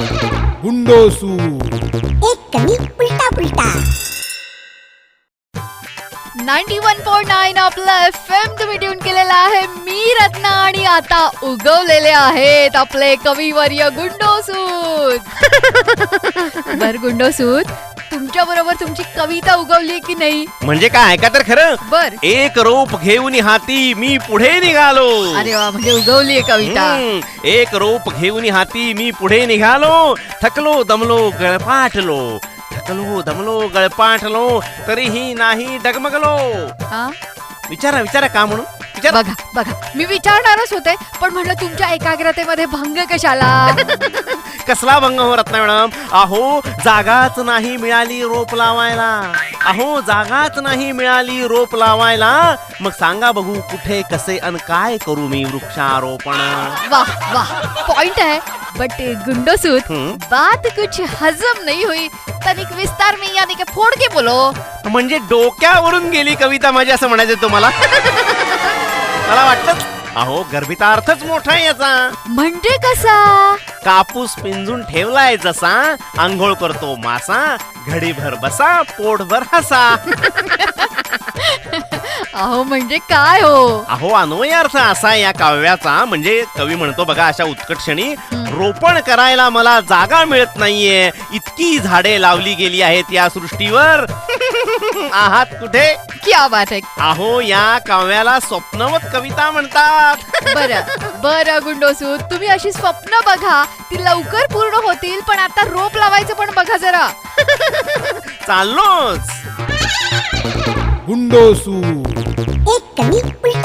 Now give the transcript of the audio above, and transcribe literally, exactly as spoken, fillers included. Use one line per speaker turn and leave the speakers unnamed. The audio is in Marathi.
गुंडोसू
एक कमी उलटा पुलटा
नाईन्टी वन पॉइंट नाईन आपला एफ एम तुम्ही ट्यून केलेला आहे. मी रत्ना आणि आता उगवलेले आहेत आपले कविवर्य गुंडोसूत. बर गुंडोसूत, तुमच्या बरोबर तुमची कविता उगवली की नाही?
म्हणजे काय, ऐका तर खरं.
बर.
एक रोप घेऊन हाती मी पुढे निघालो.
अरे वा, म्हणजे उगवली कविता.
हम्म, एक रोप घेऊन हाती मी पुढे निघालो. थकलो दमलो गळपाटलो, थकलो दमलो गळपाटलो, तरीही नाही डगमगलो.
हा?
विचारा विचारा का म्हणून विचार.
बघा बघा, मी विचारणारच होते, पण म्हणलं तुमच्या एकाग्रतेमध्ये भंग कशाला?
कसला भंग हो रत्ना मॅडम. अहो जागाच नाही मिळाली रोप लावायला. अहो जागाच नाही मिळाली रोप लावायला. मग सांगा बघू कुठे कसे अन काय करू मी वृक्षारोपण.
वाह वाह, पॉइंट है. बट गुंडोसूत,
हम्म.
बात कुछ हजम नहीं हुई. तनिक विस्तार में यानी के फोड़ के बोलो.
म्हणजे डोक्यावरून गेली कविता माझी असं म्हणायचं तुम्हाला. मला वाटतं अहो गर्भितार्थच मोठा आहे याचा.
म्हणजे कसा?
कापूस पिंजून ठेवलाय जसा, आंघोळ करतो मासा, घडीभर बसा पोटभर हसा.
अहो म्हणजे काय हो?
अहो अन्वय अर्थ असा या काव्याचा. म्हणजे कवी म्हणतो बघा, अशा उत्कट क्षणी रोपण करायला मला जागा मिळत नाहीये. इतकी झाडे लावली गेली आहेत या सृष्टीवर. आहात कुठे?
क्या बात है.
अहो या काव्याला स्वप्नवत कविता म्हणतात.
बर बर गुंडोसूत, तुम्ही अशी स्वप्न बघा, ती लवकर पूर्ण होतील. पण आता रोप लावायचं पण बघा जरा.
चाललोच.
गुंडोसू
एक कमी उलटा